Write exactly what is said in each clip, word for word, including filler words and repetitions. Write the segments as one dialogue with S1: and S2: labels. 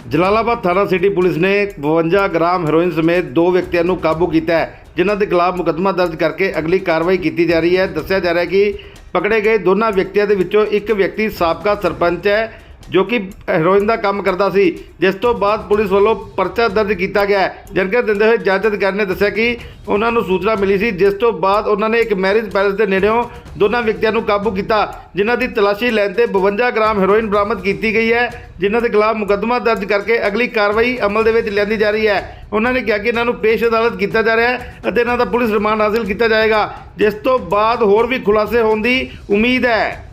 S1: ਜਲਾਲਾਬਾਦ ਥਾਣਾ city police ਨੇ ਬਵੰਜਾ ਗ੍ਰਾਮ ਹੈਰੋਇਨ ਸਮੇਤ ਦੋ ਵਿਅਕਤੀਆਂ ਨੂੰ ਕਾਬੂ ਕੀਤਾ ਹੈ, ਜਿਨ੍ਹਾਂ ਦੇ ਖਿਲਾਫ ਮੁਕੱਦਮਾ ਦਰਜ ਕਰਕੇ ਅਗਲੀ ਕਾਰਵਾਈ ਕੀਤੀ ਜਾ ਰਹੀ ਹੈ। ਦੱਸਿਆ ਜਾ ਰਿਹਾ ਹੈ ਕਿ ਪਕੜੇ ਗਏ ਦੋਨਾਂ ਵਿਅਕਤੀਆਂ ਦੇ ਵਿੱਚੋਂ ਇੱਕ ਵਿਅਕਤੀ ਸਾਬਕਾ ਸਰਪੰਚ ਹੈ, ਜੋ ਕਿ ਹੈਰੋਇਨ ਦਾ ਕੰਮ ਕਰਦਾ ਸੀ, ਜਿਸ ਤੋਂ ਬਾਅਦ ਪੁਲਿਸ ਵੱਲੋਂ ਪਰਚਾ ਦਰਜ ਕੀਤਾ ਗਿਆ ਹੈ। ਜਾਣਕਾਰੀ ਦਿੰਦੇ ਹੋਏ ਜੱਜ ਅਧਿਕਾਰੀ ਨੇ ਦੱਸਿਆ ਕਿ ਉਹਨਾਂ ਨੂੰ ਸੂਚਨਾ ਮਿਲੀ ਸੀ, ਜਿਸ ਤੋਂ ਬਾਅਦ ਉਹਨਾਂ ਨੇ ਇੱਕ ਮੈਰਿਜ ਪੈਲੇਸ ਦੇ ਨੇੜਿਓਂ ਦੋਨਾਂ ਵਿਅਕਤੀਆਂ ਨੂੰ ਕਾਬੂ ਕੀਤਾ, ਜਿਨ੍ਹਾਂ ਦੀ ਤਲਾਸ਼ੀ ਲੈਣ ਤੇ ਬਵੰਜਾ ਗ੍ਰਾਮ ਹੈਰੋਇਨ ਬਰਾਮਦ ਕੀਤੀ ਗਈ ਹੈ, ਜਿਨ੍ਹਾਂ ਦੇ ਖਿਲਾਫ ਮੁਕੱਦਮਾ ਦਰਜ ਕਰਕੇ ਅਗਲੀ ਕਾਰਵਾਈ ਅਮਲ ਦੇ ਵਿੱਚ ਲਿਆਂਦੀ ਜਾ ਰਹੀ ਹੈ। ਉਹਨਾਂ ਨੇ ਕਿਹਾ ਕਿ ਇਹਨਾਂ ਨੂੰ ਪੇਸ਼ ਅਦਾਲਤ ਕੀਤਾ ਜਾ ਰਿਹਾ ਹੈ ਅਤੇ ਇਹਨਾਂ ਦਾ ਪੁਲਿਸ ਰਿਮਾਂਡ ਹਾਸਲ ਕੀਤਾ ਜਾਏਗਾ, ਜਿਸ ਤੋਂ ਬਾਅਦ ਹੋਰ ਵੀ ਖੁਲਾਸੇ ਹੋਣ ਦੀ ਉਮੀਦ ਹੈ।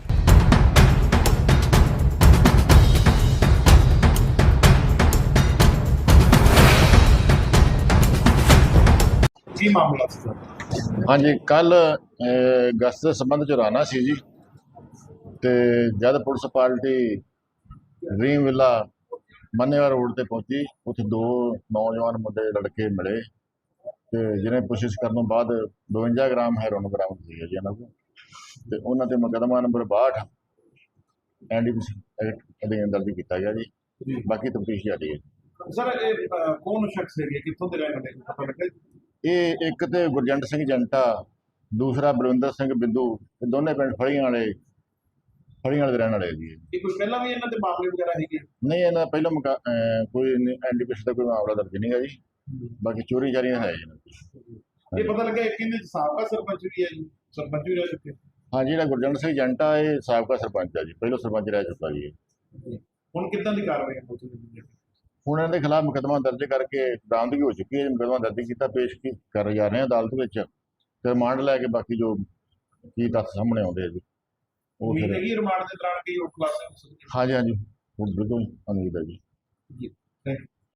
S2: ਕੀ ਮਾਮਲਾ ਸੀ ਸਰ?
S3: ਹਾਂਜੀ, ਕੱਲ ਗਸਤ ਦੇ ਸੰਬੰਧ ਚ ਰਾਣਾ ਸੀ ਜੀ, ਤੇ ਜਦ police party dream villa Mannewal road ਤੇ ਪਹੁੰਚੀ, ਉੱਥੇ ਦੋ ਨੌਜਵਾਨ ਮੁੰਡੇ ਲੜਕੇ ਮਿਲੇ ਤੇ ਜਿਹਨੇ ਕੋਸ਼ਿਸ਼ ਕਰਨ ਤੋਂ ਬਾਅਦ ਬਵੰਜਾ ਗ੍ਰਾਮ ਹੈਰੋਇਨ ਬਰਾਮਦ ਹੋਈ ਹੈ ਜੀ ਇਹਨਾਂ ਕੋਲ, ਤੇ ਉਹਨਾਂ ਤੇ ਮੁਕੱਦਮਾ ਨੰਬਰ ਬਾਹਠ ਐਨਡੀਪੀਸੀ ਐਕਟ ਅਧੀਨ ਦਰਜ ਕੀਤਾ ਗਿਆ ਜੀ। ਬਾਕੀ ਤਫਤੀਸ਼ ਜਾਰੀ ਹੈ।
S2: ਸਰ ਇਹ ਅਹ, ਕੌਣ ਸ਼ਖਸ ਹੈਗੇ, ਕਿੱਥੋਂ ਦੇ ਰਹਿਣ ਵਾਲੇ ਪਤਾ ਲੱਗਾ ਜੀ?
S3: ਇਹ ਇੱਕ ਤੇ ਗੁਰਜੰਟ ਸਿੰਘ ਜੰਟਾ, ਦੂਸਰਾ ਬਲਵਿੰਦਰ ਸਿੰਘ ਬਿੱਦੂ, ਇਹ ਦੋਨੇ ਪਿੰਡ ਫੜੀਆਂ ਵਾਲੇ ਫੜੀਆਂ ਵਾਲੇ ਦੇ ਰਹਿਣ ਵਾਲੇ ਜੀ।
S2: ਇਹ ਕੁਝ ਪਹਿਲਾਂ ਵੀ ਇਹਨਾਂ ਦੇ ਮਾਮਲੇ ਵਗੈਰਾ ਹੈਗੇ?
S3: ਨਹੀਂ, ਇਹਨਾਂ ਦਾ ਪਹਿਲਾਂ ਮੁਕਾ ਅਹ ਕੋਈ ਐਨਡੀਪੀਸੀ ਦਾ ਕੋਈ ਮਾਮਲਾ ਦਰਜ ਨਹੀਂ ਹੈ ਜੀ। ਬਾਕੀ ਚੋਰੀ ਚਾਰੀਆਂ ਹੈ ਜੀ।
S2: ਇਹ ਪਤਾ ਲੱਗਾ ਇੱਕ ਇਹਦੇ ਸਾਬਕਾ ਸਰਪੰਚ ਵੀ ਹੈ ਜੀ, ਸਰਪੰਚ ਵੀ ਰਹਿ ਚੁੱਕੇ।
S3: ਹਾਂ, ਜਿਹੜਾ ਗੁਰਜੰਟ ਸਿੰਘ ਜੰਟਾ ਇਹ ਸਾਬਕਾ ਸਰਪੰਚ ਹੈ ਜੀ, ਪਹਿਲਾਂ ਸਰਪੰਚ ਰਹਿ ਚੁੱਕਾ ਜੀ।
S2: ਹੁਣ ਕਿੱਦਾਂ ਦੀ ਕਾਰਵਾਈ ਹੋ ਚੁੱਕੀ ਹੈ?
S3: ਹੁਣ ਇਹਨਾਂ ਦੇ ਖਿਲਾਫ ਮੁਕੱਦਮਾ ਦਰਜ ਕਰਕੇ ਬਰਾਮਦਗੀ ਹੋ ਚੁੱਕੀ ਹੈ। ਮੁਕੱਦਮਾ ਦਰਜ ਕੀਤਾ, ਪੇਸ਼ ਕੀ ਕਰ ਜਾ ਰਹੇ ਹਾਂ ਅਦਾਲਤ ਵਿੱਚ, ਤੇ ਰਿਮਾਂਡ ਲੈ ਕੇ ਬਾਕੀ ਜੋ ਕੀ ਤੱਥ ਸਾਹਮਣੇ ਆਉਂਦੇ ਆ ਜੀ ਉਹ
S2: ਉਮੀਦ
S3: ਫਿਰ।
S2: ਹੈਗੀ ਰਿਮਾਂਡ ਦੇ ਦੌਰਾਨ ਕੀ ਉਹ ਖੁਲਾਸੇ ਹੋ ਸਕਦੇ?
S3: ਹਾਂਜੀ ਹਾਂਜੀ, ਹੁਣ ਬਿਲਕੁਲ ਉਮੀਦ ਹੈ ਜੀ।
S2: ਜੀ, ਥੈਂਕ ਯੂ।